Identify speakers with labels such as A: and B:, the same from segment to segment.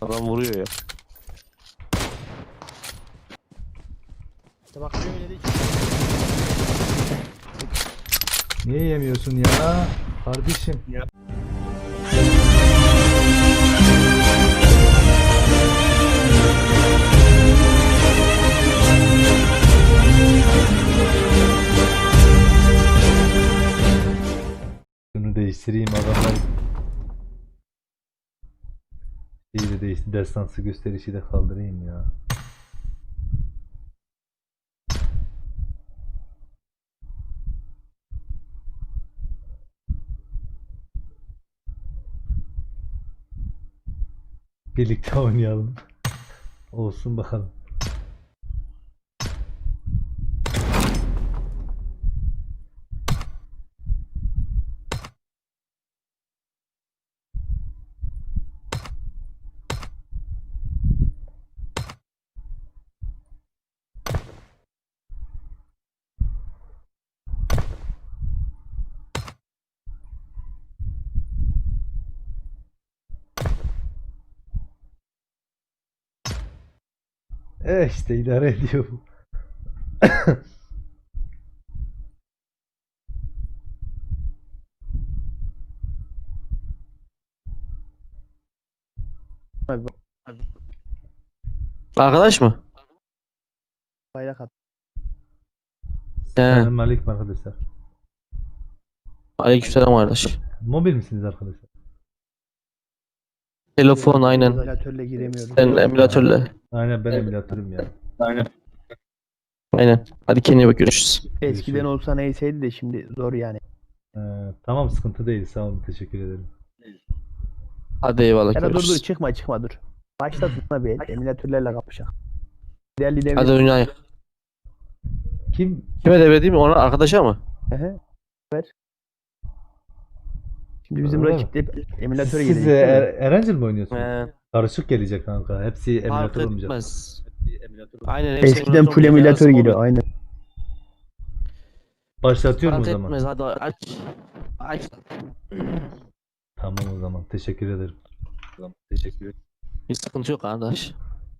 A: Adam vuruyor ya.
B: İşte bak böyle de
C: Niye yemiyorsun ya? Kardeşim. Şunu değiştireyim adamlar. İyi de değişti. Destansı gösterişi de kaldırayım ya. Birlikte oynayalım. Olsun bakalım. İşte idare ediyor bu.
B: abi
A: Arkadaş mı?
B: bayrak at.
C: Selamünaleyküm arkadaşlar.
A: Aleykümselam kardeş.
C: Mobil misiniz arkadaşlar?
A: Telefon aynen.
B: Emülatörle giremiyorum.
A: Sen emülatörle.
C: Aynen ben emülatörüm ya.
A: Aynen. Hadi kendine bak, görüşürüz.
B: Eskiden olsa neyseydi de şimdi zor yani.
C: Tamam sıkıntı değil sağ olun teşekkür ederim.
A: Hadi eyvallah,
B: Ya da dur
A: görüşürüz.
B: çıkma dur. Başlatma bir emülatörlerle kapışak. Değerli
A: Hadi
B: devlet.
A: oynayın.
C: Kim?
A: Kime devredeyim? Ona arkadaşa mı?
B: Ehe, ver. Şimdi bizim
C: Öyle
B: rakip de emülatöre
C: Siz
B: gelecek. değil mi?
C: Erencil mi oynuyorsunuz?
A: He.
C: Karışık gelecek kanka. Hepsi
A: Fark
C: emülatör olmayacak.
A: etmez. Aynen. hepsi
B: Eskiden full emülatör
A: olacak.
B: geliyor aynen.
C: Başlatıyorum
A: Fark
C: o zaman.
A: etmez, hadi aç. Aç.
C: Tamam o zaman. Teşekkür ederim. Tamam, teşekkür ederim.
A: Hiç sıkıntı yok kardeş.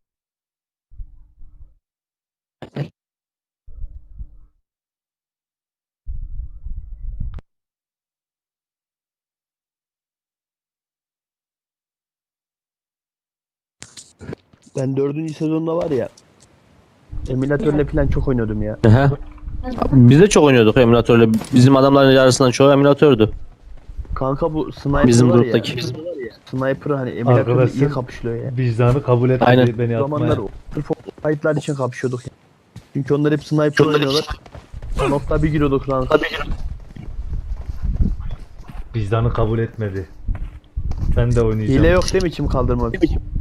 B: Ben 4. sezonda var ya emülatörle falan çok oynuyordum ya.
A: Ehe. Biz de çok oynuyorduk emülatörle. Bizim adamların yarısından çoğu emülatördü.
B: Kanka bu sniper
A: Bizim
B: var
A: gruptaki.
B: ya. Sniper hani emülatörle iyi
C: Arkadaşlar,
B: kapışılıyor ya.
C: Vicdanı kabul etmedi
A: Aynen.
C: beni
B: O zamanlar
C: atmaya.
B: sırf o fight'lar için kapışıyorduk ya. Çünkü onlar hep sniper oynuyorlar. Nokta bir giriyorduk lan.
C: Vicdanı kabul etmedi. Ben de oynayacağım.
B: Hile yok değil mi kim kaldırmak?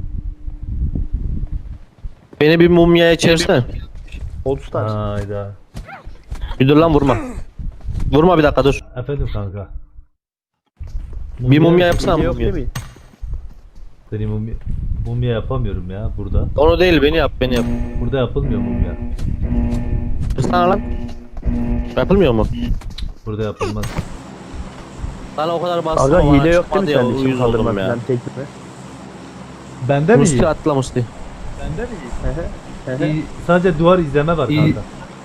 A: Beni bir mumyaya çevirsene.
B: Old Stars.
C: Hayda.
A: Bir dur lan, vurma. Vurma, bir dakika dur.
C: Efendim kanka.
A: Bir mumya yapsana,
B: Hile yok
A: mumya.
B: değil mi?
C: Seni mumya yapamıyorum ya burada.
A: Onu değil, beni yap, beni yap.
C: Burada yapılmıyor mumya.
A: Kırsana lan. Yapılmıyor mu?
C: Burada yapılmaz.
A: Lan o kadar bastım
B: Aga
A: ama
B: hile yok değil
A: çıkmadı
B: mi
A: ya,
B: sende kim
A: uyuz oldum
B: kaldırmak
A: ya.
B: falan tek mi?
C: Bende mi
A: Musti
C: iyi?
A: atla Musti.
C: İyi, sadece duvar izleme var
A: İyi.
C: kanka.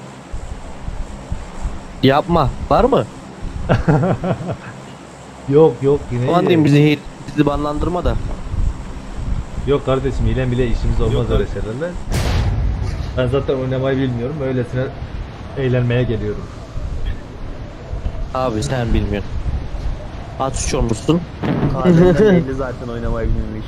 A: Yapma. Var mı?
C: Yok yine
A: Aman
C: iyi.
A: diyeyim, bizi banlandırma da.
C: Yok kardeşim hile bile işimiz olmaz öyle şeylerle. Ben zaten oynamayı bilmiyorum. Öylesine eğlenmeye geliyorum.
A: Abi sen bilmiyorsun. At suç olmuşsun.
B: Kahveden belli zaten oynamayı bilmemiş.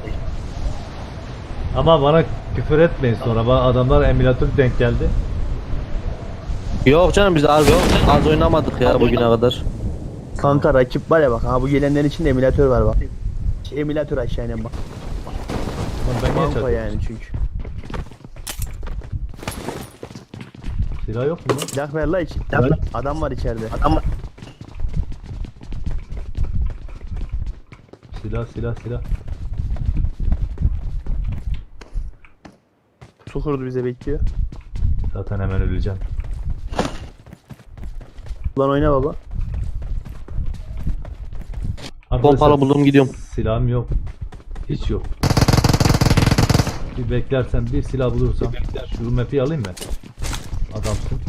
C: Ama bana küfür etmeyin sonra. Adamlar emülatör denk geldi.
A: Yok canım, biz az oynamadık ya bugüne kadar.
B: Kanka rakip var ya bak ha bu gelenlerin içinde emülatör var bak. Emülatör aşağı inen bak.
C: Lan ben niye
B: Banko
C: çarpıyorum?
B: yani çünkü.
C: Silah yok mu lan?
B: Silah ver la için. Adam var içeride.
C: Silah.
B: Su kurdu bize bekliyor.
C: Zaten hemen öleceğim.
B: Ulan oyna baba.
C: Arkadaşlar,
A: Pompalı buldum, gidiyorum.
C: silahım yok. Hiç yok. Bir beklersen bir silah bulursam şu map'i alayım mı? Adamsın.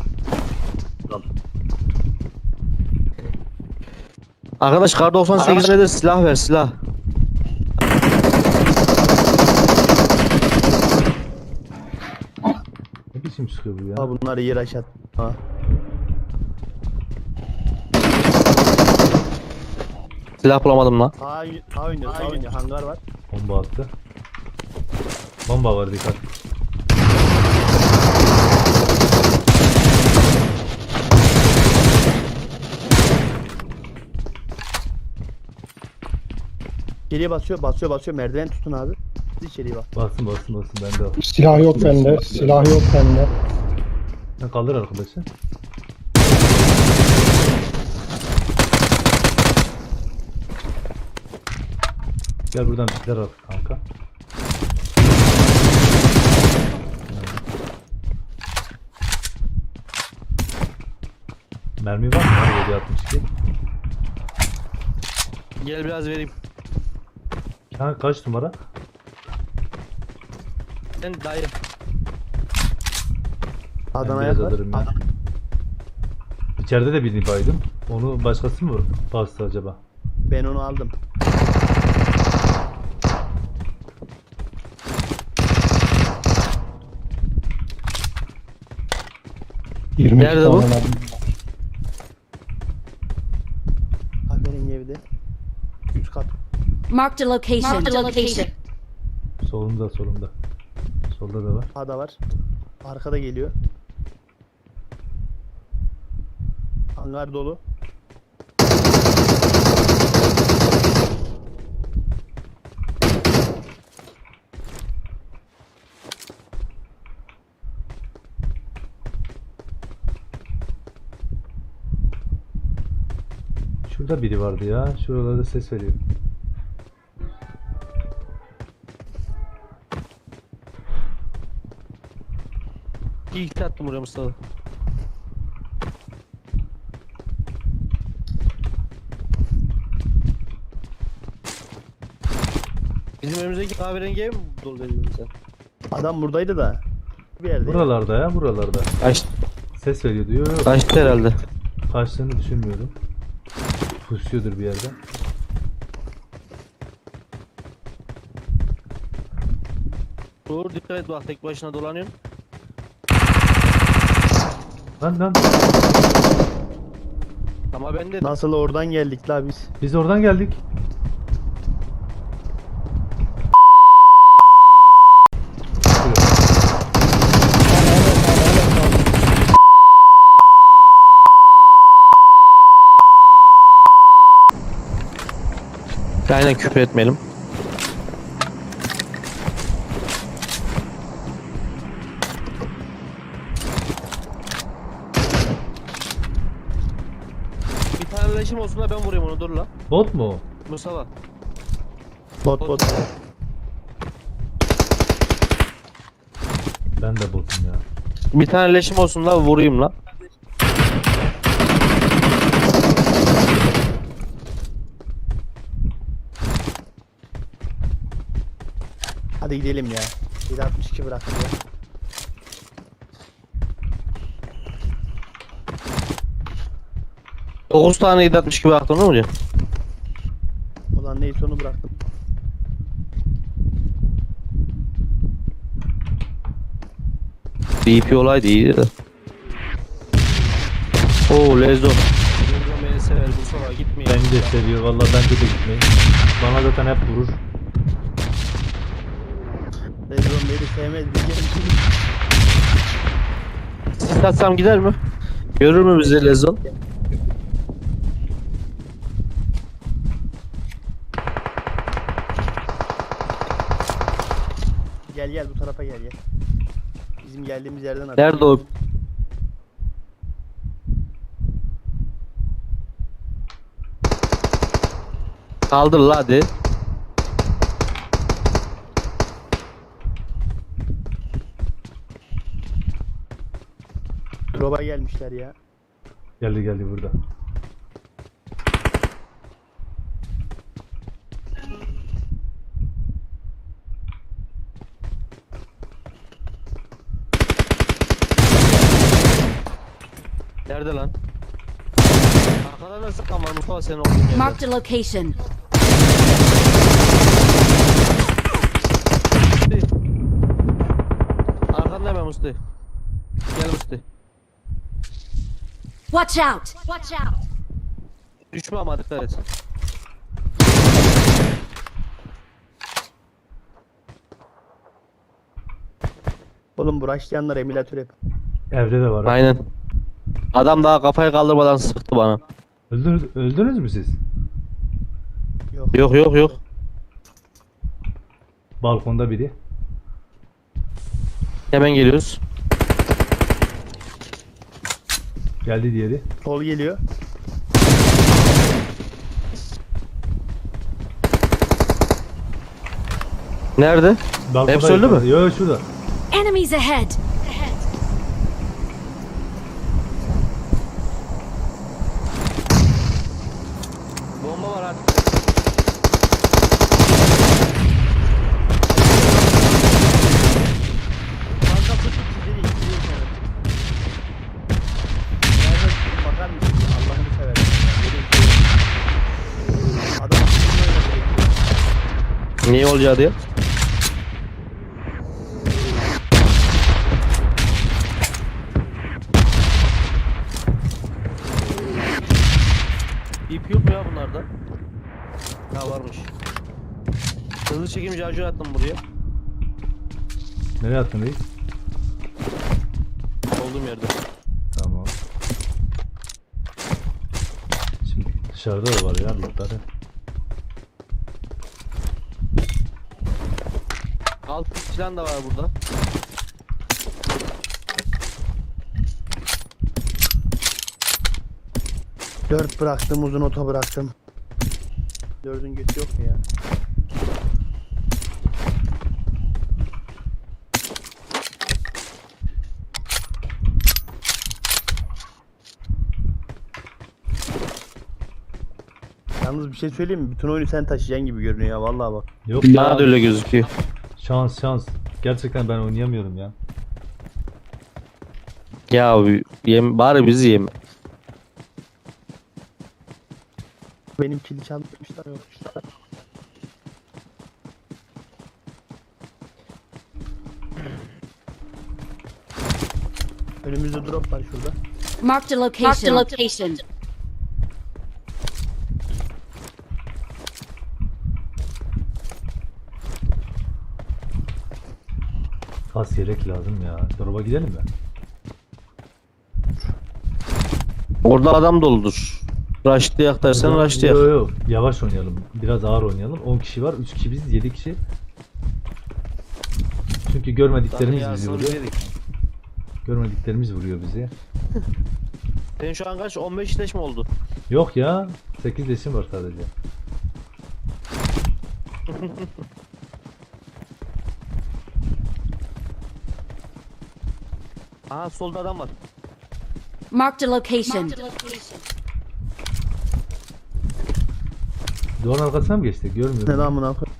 A: Arkadaş kar 98 nedir? Silah ver silah.
C: Ne biçim çıkıyor bu ya?
B: Ha bunlar yer aşağı. Ha.
A: Silah bulamadım lan.
B: Sağ oynuyor. Hangar var.
C: Bomba attı. Bomba var, dikkat.
B: İçeriye basıyor. Merdiven tutun abi. Siz içeriye bak.
C: Basın bende o.
D: Silah yok bende. Silah yok bende.
C: Ne kaldır arkadaşı? Gel buradan bitler al kanka. Mermi var mı? 762.
A: Gel biraz vereyim.
C: Ha, kaç numara?
A: Sen dayı.
B: Adam
C: Ben
B: ayak
C: biraz
B: var.
C: alırım ya. İçeride de birini baydım. Onu başkası mı bastı acaba?
B: Ben onu aldım.
A: Nerede bu?
B: Aferin evde. Üst kat.
E: Marked a location.
C: Solumda. Solda da var.
B: Sağda var. Arkada geliyor. Hangar dolu.
C: Şurada biri vardı ya. Şuralarda ses veriyor.
A: İlk attım buraya Mustafa. Bizim önümüzdeki kahverengi ev mi dolu veriyor bize?
B: Adam buradaydı da. Bir yerde.
C: Buralarda ya, buralarda.
A: Kaçtı,
C: Ses veriyor diyor. Yok.
A: kaçtı herhalde.
C: Kaçtığını düşünmüyorum. Pusuyordur bir yerden.
A: Dur dikkat et bak tek başına dolanıyorsun.
C: Lan.
A: Ama ben de
B: Nasıl oradan geldik la biz?
C: Biz oradan geldik.
A: aynen küfür etmeyelim. Bir tane leşim olsun da ben vurayım onu dur la.
C: Bot mu o?
A: Mustafa.
B: Bot.
C: Ben de botum ya.
A: Bir tane leşim olsun la vurayım la.
B: Hadi gidelim ya. 762 bırakın ya.
A: Dokuz tane 760 gibi aklımda mı diyor?
B: Ulan neyse onu bıraktım.
A: DP olaydı iyiydi de. Oo Lezo. Lezo beni sever Mustafa gitmeyin.
C: Beni de seviyor. Vallahi bence de gitmeyin. Bana zaten hep vurur.
B: Rezon beni sevmez. Bir gelin.
A: Satsam gider mi? Görür mü bizi Lezon?
B: Gel bu tarafa gel. Bizim geldiğimiz yerden at.
A: Nerede o? Kaldır la hadi.
B: Drop'a gelmişler ya.
C: Geldi burada.
A: Nerede lan? Arkadan da sıkan var Mustafa senin olduğun yerde.
E: Marked a location.
A: Arkanda hemen Musti. Gel Musti.
E: Watch out! Watch out!
A: Düşme ama dikkat et.
B: Oğlum bu rushlayanlar emülatör hep.
C: Evde de var. ha.
A: Aynen. Adam daha kafayı kaldırmadan sıktı bana.
C: Öldünüz mü siz?
A: Yok yok yok.
C: Balkonda biri.
A: Hemen geliyoruz.
C: Geldi diğeri.
B: Sol geliyor.
A: Nerede?
C: Balkonda
A: Hepsi öldü mü?
C: Yok şurada.
E: Enemies ahead!
A: Bomba var hadi.
B: Kanka tut sizi de ittiriyor seni. Nerede bakar mısın? Allah'ını seversen. Böyle adam aklını oynadı.
A: Niye olacağı diye. İp yok mu ya bunlarda? Ha varmış. Hızlı çekim charger attım buraya.
C: Nereye attın reis?
A: Olduğum yerde.
C: Tamam. Şimdi dışarıda da var ya lootları.
A: Alt silah da var burada.
B: Dört bıraktım, uzun ota bıraktım. Dördün götü yok mu ya? Yalnız bir şey söyleyeyim mi? Bütün oyunu sen taşıyacaksın gibi görünüyor ya vallahi bak.
C: Yok
A: Bana
C: ya.
A: da öyle gözüküyor.
C: Şans. Gerçekten ben oynayamıyorum ya.
A: Ya yem, bari bizi yem.
B: Benim kili çalmışlar yokmuşlar. Önümüzde drop var şurada.
E: Marked a location. Marked a location.
C: Kas yelek lazım ya. Drop'a gidelim mi?
A: Orada adam doludur. Rush'layak dersen rush'layak.
C: Yok. Yavaş oynayalım. Biraz ağır oynayalım. 10 kişi var. 3 kişi biz. 7 kişi. Çünkü görmediklerimiz bizi vuruyor. Görmediklerimiz vuruyor bizi.
A: Senin şu an kaç? 15 leş mi oldu?
C: Yok ya. 8 leşim var sadece.
A: Aha solda adam var.
E: Marked a location.
C: Duvarın arkasına mı geçtik? Görmüyorum.
B: Ne lan buna koy.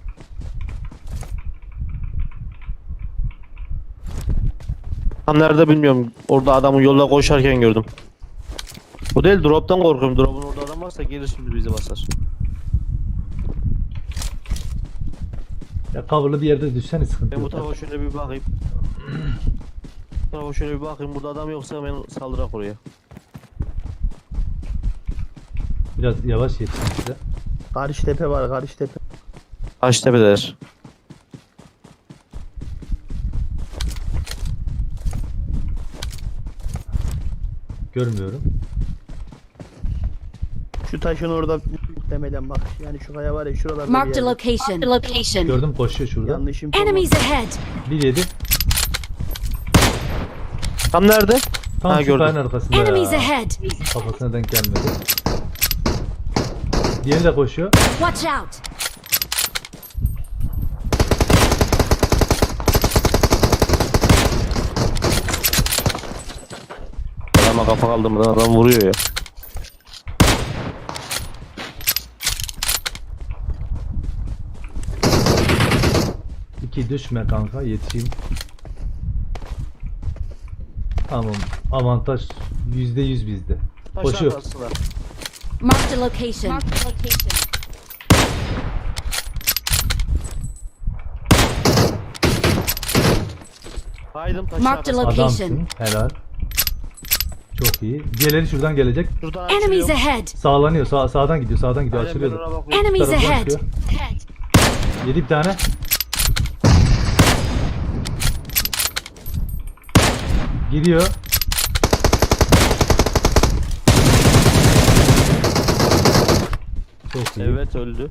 A: Tam nerede bilmiyorum. Orada adamı yolda koşarken gördüm. Bu değil, drop'tan korkuyorum. Drop'un orada adam varsa gelir şimdi bizi basar.
C: Ya coverlı bir yerde düşsene sıkıntı
A: Ben bu
C: yok.
A: tarafa şöyle bir bakayım. Bu tarafa şöyle bir bakayım. Burada adam yoksa ben saldırak oraya.
C: Biraz yavaş yetişin size.
B: Karşı tepe var, karşı tepe.
A: Taştepe'deler.
C: Görmüyorum.
B: Şu taşın orada muhtemelen bak. Yani şu kaya var ya şuralarda bir
E: Marked a
B: yerde.
E: location. Marked a location.
C: Gördüm koşuyor şurada.
B: Yanlış info var.
E: Enemies ahead!
C: 1-7.
A: Tam nerede?
C: Tam
A: Ha,
C: şu
A: gördüm.
C: kayanın arkasında
E: Enemies
C: ya.
E: ahead!
C: Kafasına denk gelmedi. Diğeri de koşuyor.
E: Watch out!
A: Adama kafa kaldırmadan adam vuruyor ya.
C: İki düşme kanka yetişeyim. Tamam. Avantaj %100 bizde.
A: Taş
C: Koşuyor.
A: arkasına.
E: Marked a location. Marked a location.
A: Haydım taşın
E: Marked a
A: arkasına.
E: location.
C: Adamsın. Helal. Çok iyi. Diğerleri şuradan gelecek.
A: Şuradan
E: Enemies
A: açılıyor.
E: ahead.
C: Sağlanıyor. Sağdan gidiyor. Sağdan gidiyor.
A: Aynen, ben
C: Açılıyordu.
A: ona bakıyorum.
E: Enemies
C: Taraftan
E: ahead.
C: çıkıyor. Yedi bir tane. Gidiyor. Çok iyi.
A: Evet öldü.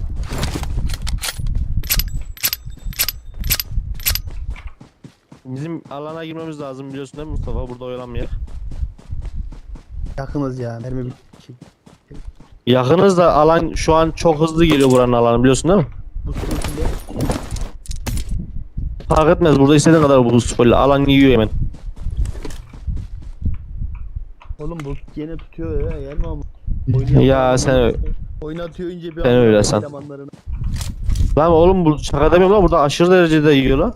A: Bizim alana girmemiz lazım biliyorsun değil mi Mustafa? Burada oyalanmayak.
B: Yakınız ya. Mermi bitti.
A: Yakınız da alan şu an çok hızlı geliyor buranın alanı biliyorsun değil mi?
B: Bu sürü içinde
A: Fark etmez burada istediğin kadar bu spoiler alan yiyor hemen.
B: oğlum bu yine tutuyor ya. Yer mi ama?
A: Ya sen
B: Oynatıyor ince bir
A: Sen öyle san.
B: elemanlarını.
A: lan oğlum bu şaka demiyorum lan burada aşırı derecede yiyor lan.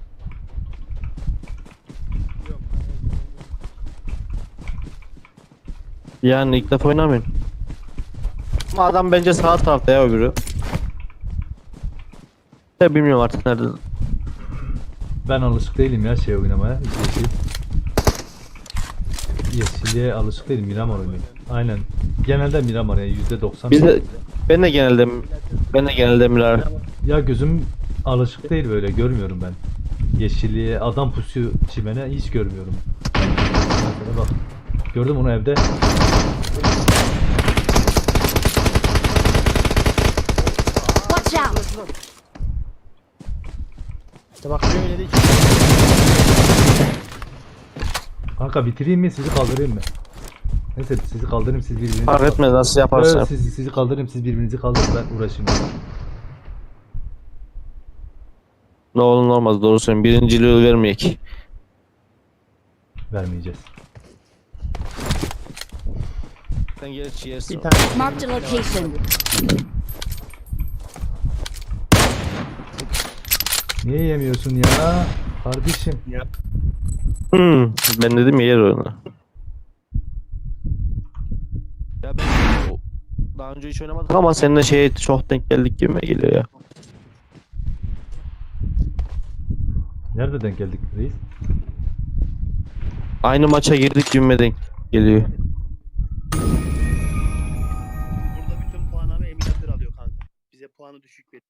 A: Yani ilk defa oynamıyorum. Ama adam bence sağ tarafta ya öbürü. Ya bilmiyorum artık nerede.
C: Ben alışık değilim ya şey oynamaya. Yeşil. Yeşilliğe alışık değilim. Miramar oynuyorum. Aynen. Genelde Miramar ya %90.
A: Biz de ben de genelde Mirar.
C: Ya gözüm alışık değil böyle. Görmüyorum ben. Yeşilliğe adam pusuyor çimene hiç görmüyorum. Mesela bak. Gördüm onu evde.
E: Watch out.
B: İşte bak böyle de
C: Kanka bitireyim mi sizi kaldırayım mı? Neyse sizi kaldırayım siz birbirinizi
A: Fark etmez nasıl yaparsan.
C: Evet, sizi kaldırayım siz birbirinizi kaldırın ben uğraşayım.
A: Ne olur ne olmaz doğru söylüyorum. Birinciliği vermeyek.
C: Vermeyeceğiz.
A: Sen geç yersin.
B: bir tane.
E: Marked a location.
C: Niye yemiyorsun ya? Kardeşim.
A: Ben dedim ya yer onu. Ya ben daha önce hiç oynamadık ama seninle şeye çok denk geldik gibi geliyor ya.
C: Nerede denk geldik reis?
A: Aynı maça girdik gibi denk geliyor.
B: Burada bütün puanları emülatör alıyor kanka. Bize puanı düşük veriyor.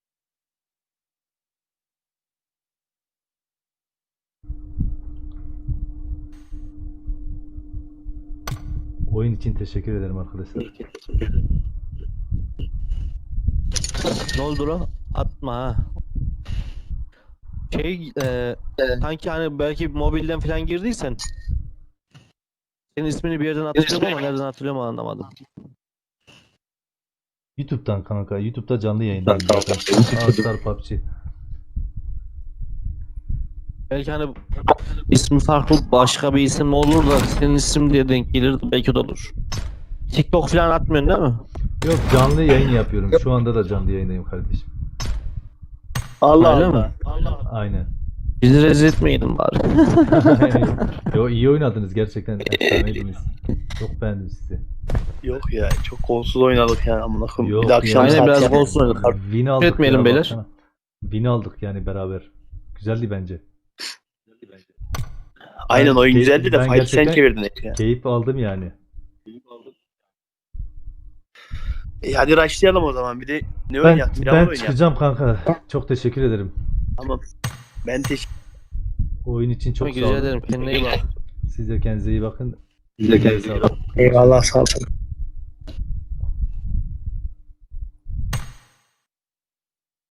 C: Oyun için teşekkür ederim arkadaşlar.
A: Ne oldu lan? Atma ha. Sanki hani belki mobilden falan girdiysen senin ismini bir yerden hatırlıyorum ama nereden hatırlıyorum anlamadım.
C: YouTube'dan kanka. YouTube'da canlı yayındayım zaten. All-Star PUBG.
A: Belki hani ismi farklı başka bir isim olur da senin isim diye denk gelir belki o da olur. TikTok falan atmıyorsun değil mi?
C: Yok canlı yayın yapıyorum. Şu anda da canlı yayındayım kardeşim.
B: Allah
A: Öyle
B: Allah.
A: mi?
C: Aynen.
A: Bizi rezil etmeyeydin bari.
C: Yo iyi oynadınız gerçekten. Efsaneydiniz. Çok beğendim sizi.
B: Yok ya çok kolsuz oynadık ya amına koyayım.
C: Yok
B: Bir de akşam
C: ya.
A: Aynen biraz
B: saat
A: golsuz oynadık.
C: Win aldık
A: Etmeyelim
C: ya,
A: beyler.
C: baksana. Win aldık yani beraber. Güzeldi bence.
B: Aynen oyun
C: Ben
B: güzeldi de fight sen
C: gerçekten
B: çevirdin hep ya.
C: Keyif aldım yani.
B: Hadi rushlayalım o zaman bir de ne
C: Ben,
B: oynayalım? Miramar
C: ben
B: oynayalım.
C: çıkacağım kanka. Çok teşekkür ederim.
B: Tamam. Ben teşekkür
C: Oyun için çok sağ
A: Rica
C: olun.
A: ederim. Kendine iyi bak.
C: Siz de kendinize iyi bakın. Siz de kendinize iyi bakın.
D: Eyvallah sağ olun.